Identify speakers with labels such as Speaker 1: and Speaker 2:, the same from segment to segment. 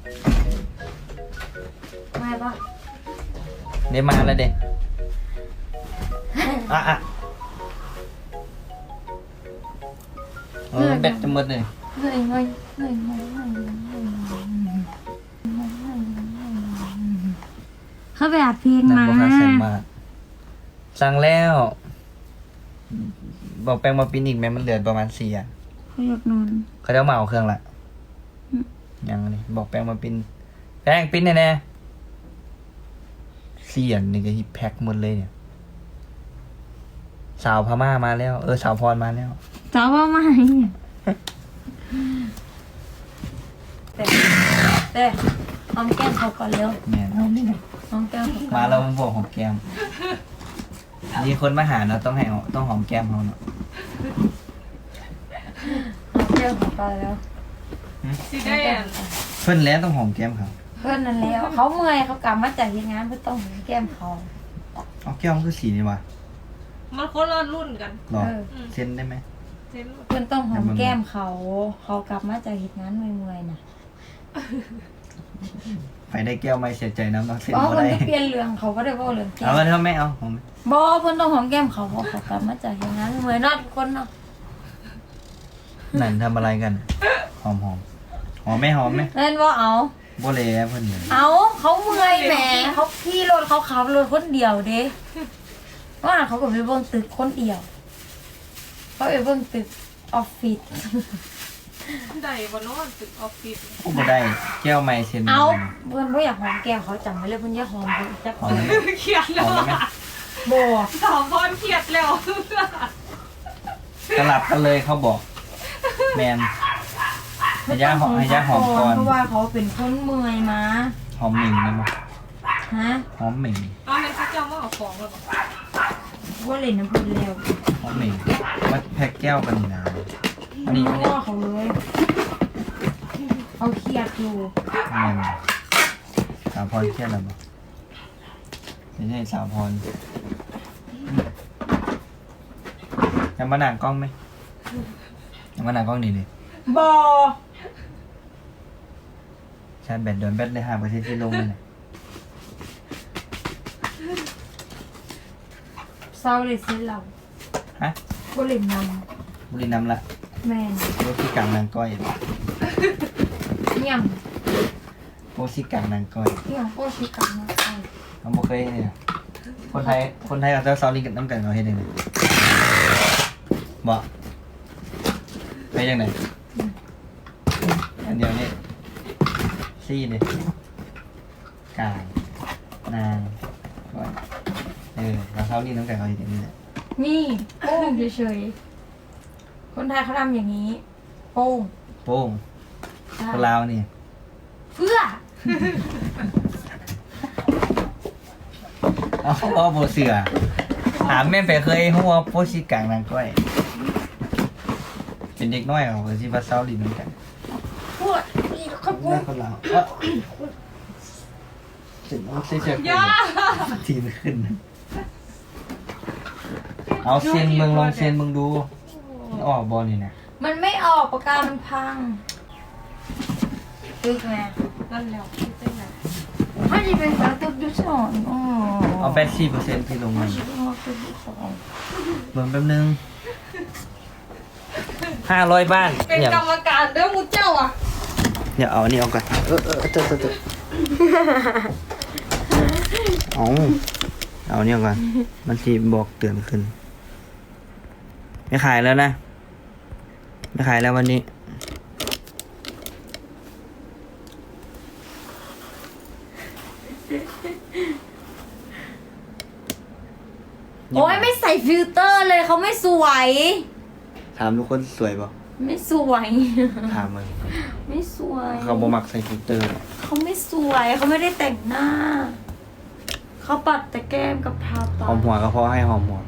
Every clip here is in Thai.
Speaker 1: ไม่ปะ
Speaker 2: เดี๋ยวมาแล้วเด็กอ่ะแบตจะหมดเลย
Speaker 1: เงยเขาไปอัดเพลง
Speaker 2: นั่น
Speaker 1: มา
Speaker 2: บอกค่าเซ็นมาสั่งแล้วบอกแป้งมาปิ้นอีกแม้มันเหลือประมาณ4อ่ะ
Speaker 1: เขาอยากนอน
Speaker 2: เขาจะเอามาเอาเครื่องละยังนี่บอกแป้งมาปิ้นแป้งปิ้นแน่ๆเสียนนี่ก็ฮิปแพ็คหมดเลยเนี่ย สาวพม่ามาแล้วสาวพรมาแล้ว
Speaker 1: จ้าว่าไม่แต่หอมแก้มเขาก่อนเร็ว
Speaker 2: แม่น
Speaker 1: หอมแก้มเขาก่อน
Speaker 2: มาแล้วมันบอกหอมแก้มมีคนมาหาเนาะต้องหอมแก้มเขาเนาะ
Speaker 1: หอมแก้มเขาก่อนแล้ว
Speaker 3: สิได้อ่ะ
Speaker 2: เพิ่นแล้วต้องหอมแก้มเขา
Speaker 1: เพื่อนนั่นแล้วเขาเมื่อยเขากลับมาจากที่งานเพื่อต้องหอมแก้มเขา
Speaker 2: เอาแก้มมันคือสีนี่วะ
Speaker 3: มันคนละรุ่นกัน
Speaker 2: หรอเซ็นได้ไหม
Speaker 3: เซ็น
Speaker 1: เพื่อนต้องหอมแก้มเขากลับมาจากเหตุงานเมื่อยๆน่ะ
Speaker 2: ไปได้แก้วไม่เสียใจนะต้องเซ็น
Speaker 1: อ๋อ
Speaker 2: บ่
Speaker 1: เพื่อน
Speaker 2: ได้
Speaker 1: ก็เปลี่ยนเรื่องเขาก็ได้บอกเรื่องแก้
Speaker 2: เอา
Speaker 1: ม
Speaker 2: มาเถอะไม่เอาหอม
Speaker 1: บอเพื่อนต้องหอมแก้มเขาเพราะเขากลับมาจากเหตุงานเมื่อยๆนอกคนเนาะ
Speaker 2: นั่นทำอะไรกันหอมไหมหอมไหม
Speaker 1: เล่นว่าเอา
Speaker 2: บ่เลยเพิ่นเนี่ย
Speaker 1: เอาเขาเมื่อยแหมเขาขี่รถเขาขับรถคนเดียวเด้ว่าเขาก็ไปเบิ่งตึกคนเดียวเขาไปเบิ่งตึกออฟฟิศ
Speaker 3: ได้บนโน้นตึกออฟฟิศ
Speaker 2: โอ้บ่ได้แก้วไม่เซ็น
Speaker 1: เอาเพื่อนไม่อยากหอมแก้มเขาจำไว้เลยเพื่อนอยากหอมเพื่อนจะ
Speaker 2: หอมไหม
Speaker 3: เครียด
Speaker 2: ห
Speaker 3: แล้ว
Speaker 2: อมไหม
Speaker 3: อ่ะ
Speaker 1: บอ
Speaker 3: สาวพรเครียดแล้ว
Speaker 2: สลับกันเลยเขาบอก แมนให้ย่าหอมก่อน
Speaker 1: เพราะว่าเขาเป็นคนเมื่อยมา
Speaker 2: หอมหมิ่งนะมั้ง
Speaker 1: ฮะ
Speaker 2: หอมหมิ่ง
Speaker 3: เอาให้เขาเจ้ามาเอาของแล้วบอก
Speaker 1: ว่าเล่นน้ำเพื้นแล้ว
Speaker 2: หอมหมิ่งมาแพ็กแก้วกันนี่นะอันนี้
Speaker 1: ไม่ว่าเขาเลยเขาเครียดอยู่
Speaker 2: แมนสาวพรเครียดแล้วมั้งไม่ใช่สาวพรยังมาหนังกล้องไหมยังมาหนังกล้องนี่เลย
Speaker 1: บอ
Speaker 2: ชาร์จแบตโดนแบตเลย5%ที่ลงเลยนะ
Speaker 1: เศร้าเลยเสียเรา
Speaker 2: ฮะ
Speaker 1: ก็เล่นน
Speaker 2: บุรีน้ำละ
Speaker 1: ำแมน
Speaker 2: โปรซี่กลางนางก้อย
Speaker 1: ยัง
Speaker 2: โปรซี่กลางนางก้อย
Speaker 1: ยังก็ชิกันมาใคร
Speaker 2: เราบ่เคยเนี่ยคนไทยกับเจ้าซาลิงกับน้ำกันเขาเฮ็ดยังไงบ่ไปยังไงอันเดียวนี่ซี่เลยกลางนางก้อยเราซาลิงน้ำกันเขาเฮ็ดอย่างนี้แหละ
Speaker 1: นี่โป้งเฉยๆคนไทยเขาทำอย่างนี้ โป้ง
Speaker 2: โป้งคนลาวนี่
Speaker 1: เพื่อ
Speaker 2: เอาโบเสือถามแม่ไปเคยหัวโพสิกลางนางก้อย เป็นเด็กน้อยเขาที่ว่าเซาลินเหมือนกัน
Speaker 1: พูดนี่เขาพู
Speaker 2: แม่
Speaker 1: ด
Speaker 2: คนลาวถึงต้องเสีย
Speaker 3: ย่า
Speaker 2: ทีมขึ้น เอาเซียนเมืองลองเซียนเมืองดูออกบอลนี่นะ
Speaker 1: มันไม่ออกปากกามันพังตึกไง
Speaker 3: นั่นแล้วคิดได้ไง
Speaker 1: ถ้าจะเป็นสาวตึกยุสอนอ๋อ
Speaker 2: เอา84%ที่ลง
Speaker 1: ถ้า
Speaker 2: มา
Speaker 1: จะเป็นว่าตึกยุสอน
Speaker 2: เบิ่งแป๊บนึง500 บ้าน
Speaker 3: เป็น
Speaker 2: อย่าก
Speaker 3: รรมการเด้อมูเจ้าอ่ะ
Speaker 2: อย่าเอาอันนี้เอาก่อนเจอเอาเนี่ยก่อนมันทีบอกเตือนขึ้น ไม่ขายแล้วนะ ไม่ขายแล้ววันนี้
Speaker 1: โอ้ยไม่ใส่ฟิลเตอร์เลยเขาไม่สวย
Speaker 2: ถามทุกคนสวยป่ะ
Speaker 1: ไม่สวย
Speaker 2: ถามมึง
Speaker 1: ไม่สวย
Speaker 2: เขาบ่มักใส่ฟิลเตอร์หรอก
Speaker 1: เขาไม่สวยเขาไม่ได้แต่งหน้า เขาปัดแต่แก้มกับทาปา
Speaker 2: หอมหัวก็เพราะให้หอมหัว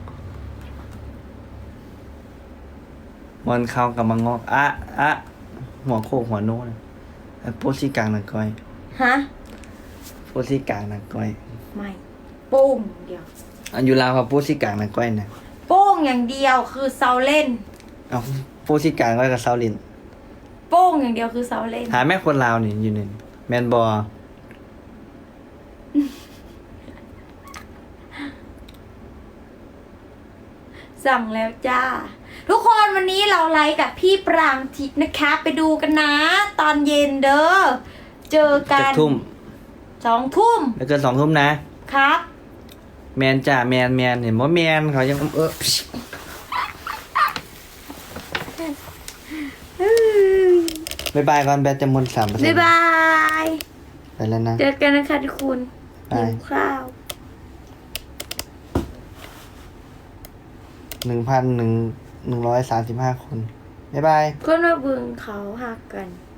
Speaker 2: มันเข้ากับมังงอกหัวโคกหัวโน้นโพสิกลางนางก้อย
Speaker 1: ฮะ
Speaker 2: โพสิกลางนางก้อย
Speaker 1: ไม่โป้งอย่างเดียว
Speaker 2: อันอยู่ลาวครับโพสิกลางนางก้อยนะ
Speaker 1: โป้งอย่างเดียวคือเซาเล่น
Speaker 2: เอาโพสิกลางก้อยกับเซาลิน
Speaker 1: โป้งอย่างเดียวคือเซาเล่น
Speaker 2: หาแม่คนลาวนี่อยู่นี่แมนบอ
Speaker 1: สั่งแล้วจ้า ทุกคนวันนี้เราไลฟ์กับพี่ปรางทิพย์นะคะ ไปดูกันนะ ตอนเย็นเด้อเจอกั
Speaker 2: จะ
Speaker 1: น
Speaker 2: ทุ่ม
Speaker 1: 2 ทุ่ม
Speaker 2: แล้วเกิน2 ทุ่มนะครับ แมนจ้าแมนเห็นว่าแมนเขายังบ๊ายบายก่อนแบตจะหมด3%
Speaker 1: บ๊ายบาย
Speaker 2: ไปแล้วนะ
Speaker 1: เจอกันนะคะทุกคน
Speaker 2: บาย
Speaker 1: หิวข้าว
Speaker 2: 1,135 คนบ๊ายบาย
Speaker 1: คนมาเบึงเขาหักกัน